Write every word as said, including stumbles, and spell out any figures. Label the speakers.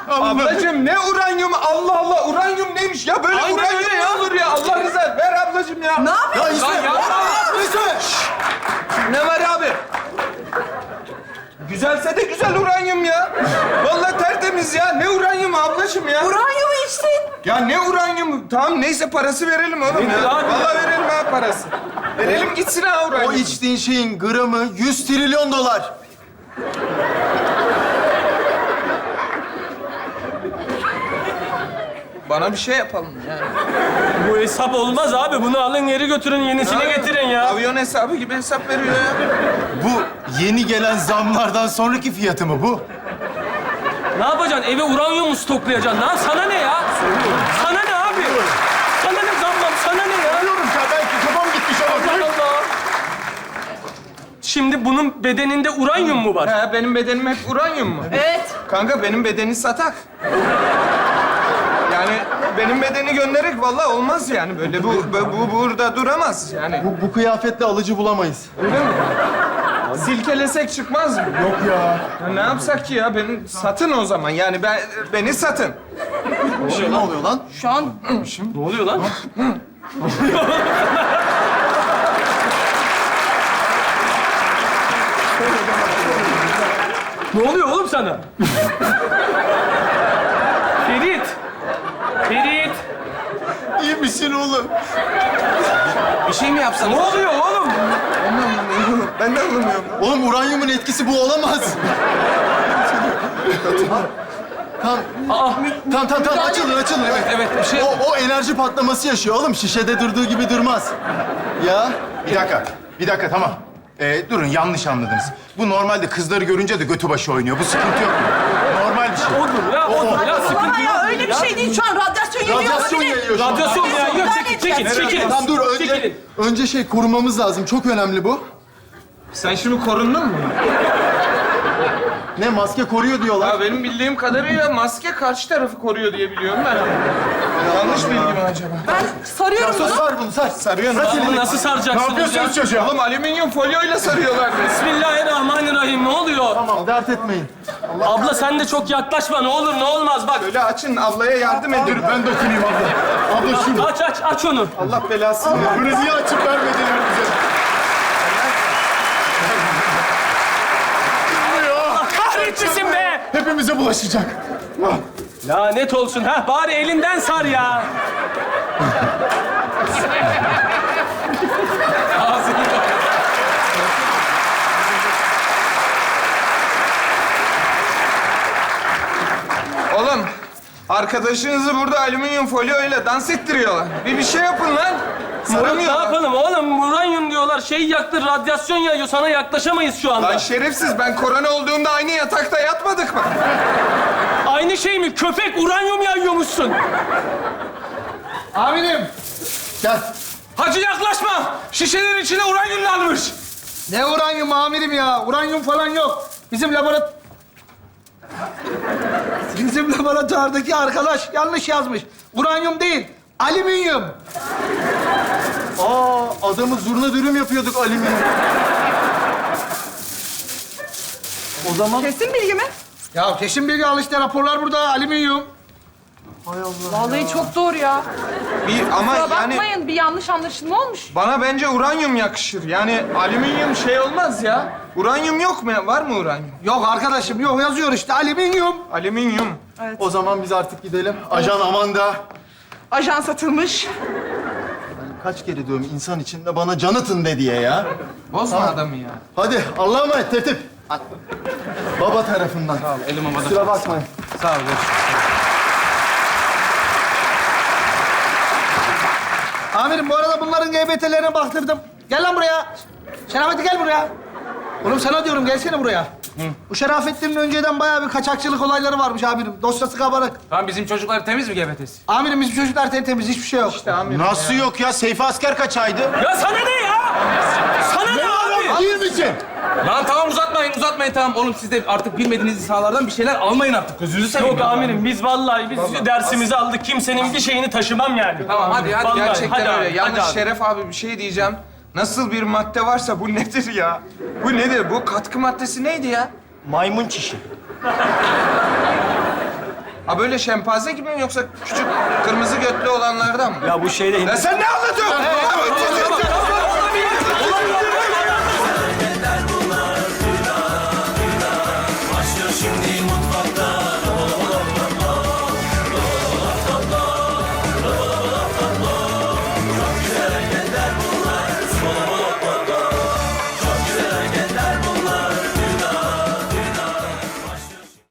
Speaker 1: Ablacığım ne uranyum? Allah Allah, uranyum neymiş ya? Böyle
Speaker 2: Aynen
Speaker 1: uranyum
Speaker 2: öyle
Speaker 1: ne
Speaker 2: ya.
Speaker 1: olur ya? Allah rızası ver ablacığım ya.
Speaker 3: Ne yapıyorsun?
Speaker 2: Lan yapma.
Speaker 1: Ne var abi? Güzelse de güzel uranyum ya. Vallahi tertemiz ya. Ne uranyum ablacığım ya?
Speaker 3: Uranyum içtin.
Speaker 1: Ya ne uranyum? Tamam neyse parası verelim oğlum
Speaker 2: Nedir
Speaker 1: ya.
Speaker 2: abi?
Speaker 1: Vallahi verelim ha parası. Verelim gitsin ha uranyum.
Speaker 4: O içtiğin şeyin gramı yüz trilyon dolar.
Speaker 1: Bana bir şey yapalım yani.
Speaker 2: Bu hesap olmaz abi. Bunu alın geri götürün, yenisini getirin ya.
Speaker 1: Avyon hesabı gibi hesap veriyor ya.
Speaker 4: Bu yeni gelen zamlardan sonraki fiyatı mı bu?
Speaker 2: Ne yapacaksın? Eve uranyum mu stoklayacaksın? Lan sana ne ya? Sana ne abi? Sana ne zammam? Sana ne ya?
Speaker 4: Biliyorum ya, belki kafam gitmiş
Speaker 2: Allah
Speaker 4: olabilir.
Speaker 2: Allah. Şimdi bunun bedeninde uranyum mu var?
Speaker 1: He, benim bedenim hep uranyum mu?
Speaker 3: Evet.
Speaker 1: Kanka benim bedeni satak. Yani benim bedeni göndererek vallahi olmaz yani böyle. Bu, bu, bu burada duramaz yani.
Speaker 4: Bu, bu kıyafetle alıcı bulamayız.
Speaker 1: Öyle mi? Silkelesek çıkmaz mı?
Speaker 4: Yok ya.
Speaker 1: Ya ne yapsak ki ya? Beni satın o zaman. Yani ben beni satın.
Speaker 4: Şey, ne oluyor lan?
Speaker 3: Şu an
Speaker 2: Ne oluyor lan? Ne oluyor oğlum sana? Ferit! Ferit!
Speaker 4: İyi misin oğlum?
Speaker 1: Bir şey mi yapsan?
Speaker 2: Ne oluyor oğlum?
Speaker 1: Ben de anlamıyorum.
Speaker 4: Oğlum uranyumun etkisi bu olamaz. Tamam.
Speaker 2: Aa,
Speaker 4: Tamam tamam tamam açılın açılın. Evet
Speaker 2: evet bir şey...
Speaker 4: O, o enerji patlaması yaşıyor oğlum. Şişede durduğu gibi durmaz. Ya.
Speaker 5: Bir dakika, bir dakika tamam. Ee, durun yanlış anladınız. Bu normalde kızları görünce de götü başı oynuyor. Bu sıkıntı yok. Normal bir şey.
Speaker 2: Odur ya, odur ya. Sıkıntı
Speaker 3: Baba
Speaker 2: yok.
Speaker 3: ya öyle bir şey değil. Şu an radyasyon yayıyor
Speaker 4: Radyasyon
Speaker 3: olabilir.
Speaker 4: yayıyor şu an.
Speaker 2: Radyasyon ya. Yok,
Speaker 3: Müdahale
Speaker 2: çekil, çekil,
Speaker 3: edeceğiz.
Speaker 2: çekil.
Speaker 4: Tamam dur önce,
Speaker 2: Çekilin.
Speaker 4: önce şey korumamız lazım. Çok önemli bu.
Speaker 1: Sen şimdi korundun mu?
Speaker 4: Ne maske koruyor diyorlar.
Speaker 1: Ya benim bildiğim kadarıyla maske karşı tarafı koruyor diye biliyorum ben. Yanlış bilgi mi acaba?
Speaker 3: Ben sarıyorum
Speaker 4: Sar,
Speaker 3: bunu.
Speaker 4: sar bunu sar.
Speaker 1: Sarıyorsun.
Speaker 2: Bunu nasıl saracaksınız ya?
Speaker 5: çocuğa?
Speaker 1: Oğlum alüminyum folyoyla sarıyorlar beni.
Speaker 2: Bismillahirrahmanirrahim. Ne oluyor?
Speaker 4: Tamam dert etmeyin.
Speaker 2: Abla sen de çok yaklaşma. Ne olur ne olmaz bak.
Speaker 1: Böyle açın, ablaya yardım edin.
Speaker 5: Ben dokunayım abla. Abla şunu.
Speaker 2: Aç aç aç onu.
Speaker 1: Allah belasını versin.
Speaker 5: Bunu niye açıp vermediler bize?
Speaker 2: Kahretmesin be!
Speaker 5: Hepimize bulaşacak.
Speaker 2: Lanet olsun. Ha bari elinden sar ya. Ağzını
Speaker 1: Oğlum, arkadaşınızı burada alüminyum folyoyla dans ettiriyorlar. Bir bir şey yapın lan.
Speaker 2: Murat ne
Speaker 1: Saramıyorlar.
Speaker 2: yapalım oğlum? Uranyum diyorlar. Şey yaktı, radyasyon yayıyor. Sana yaklaşamayız şu anda.
Speaker 1: Lan şerefsiz, ben korona olduğumda aynı yatakta yatmadık mı?
Speaker 2: Aynı şey mi? Köpek uranyum yayıyormuşsun.
Speaker 6: Amirim,
Speaker 4: Gel.
Speaker 6: hacı yaklaşma. Şişelerin içine uranyum almış. Ne uranyum amirim ya? Uranyum falan yok. Bizim laborat... Bizim laboratuvardaki arkadaş yanlış yazmış. Uranyum değil, alüminyum.
Speaker 4: Aa adamı zurna dürüm yapıyorduk alüminyum. O zaman
Speaker 3: Kesin bilgi mi?
Speaker 6: Ya kesin bilgi al işte, raporlar burada, alüminyum.
Speaker 3: Vallahi çok doğru ya.
Speaker 1: Bir ama
Speaker 3: Kusura
Speaker 1: yani
Speaker 3: bakmayın, bir yanlış anlaşılma olmuş.
Speaker 1: bana bence uranyum yakışır. Yani alüminyum şey olmaz ya. Uranyum yok mu? Var mı uranyum?
Speaker 6: Yok arkadaşım, yok yazıyor işte, alüminyum.
Speaker 1: Alüminyum.
Speaker 4: o zaman biz artık gidelim. Ajan Amanda.
Speaker 3: Ajan satılmış.
Speaker 4: Kaç kere diyorum insan içinde bana canıtın de diye ya.
Speaker 1: Bozma adamı ya.
Speaker 4: Hadi Allah'a emanet tertip. Baba tarafından.
Speaker 1: Sağ ol, elim havada.
Speaker 4: Kusura bakmayın.
Speaker 1: Sağ ol. görüşürüz.
Speaker 6: Amirim bu arada bunların G B T'lerine baktırdım. Gel lan buraya. Şerafettin gel buraya. Oğlum sana diyorum, gelsene buraya. Bu Şerafettin'in önceden bayağı bir kaçakçılık olayları varmış amirim. Dosyası kabarık.
Speaker 7: Tamam bizim çocuklar temiz mi G B T'si?
Speaker 6: Amirim bizim çocuklar tertemiz, hiçbir şey yok.
Speaker 1: İşte amirim
Speaker 5: Nasıl
Speaker 1: ya.
Speaker 5: yok ya? Seyfi asker kaçaydı?
Speaker 2: Ya sana ne ya? Sana ne abi?
Speaker 5: Değil misin?
Speaker 7: Lan tamam uzatmayın uzatmayın tamam. Oğlum siz de artık bilmediğiniz sahalardan bir şeyler almayın artık. Gözünüzü seveyim.
Speaker 2: Yok amirim biz vallahi biz dersimizi aldık. Kimsenin bir şeyini taşımam yani.
Speaker 7: Tamam hadi hadi.
Speaker 2: Vallahi,
Speaker 1: Gerçekten
Speaker 2: hadi
Speaker 1: öyle.
Speaker 2: abi,
Speaker 1: Yalnız
Speaker 2: hadi abi.
Speaker 1: Şeref abi bir şey diyeceğim. Nasıl bir madde varsa bu nedir ya? Bu nedir? Bu katkı maddesi neydi ya?
Speaker 4: Maymun çişi.
Speaker 1: Ha böyle şempanze gibi mi yoksa küçük kırmızı götlü olanlardan mı?
Speaker 2: Ya bu şeyde...
Speaker 1: Ya sen ne anlatıyorsun?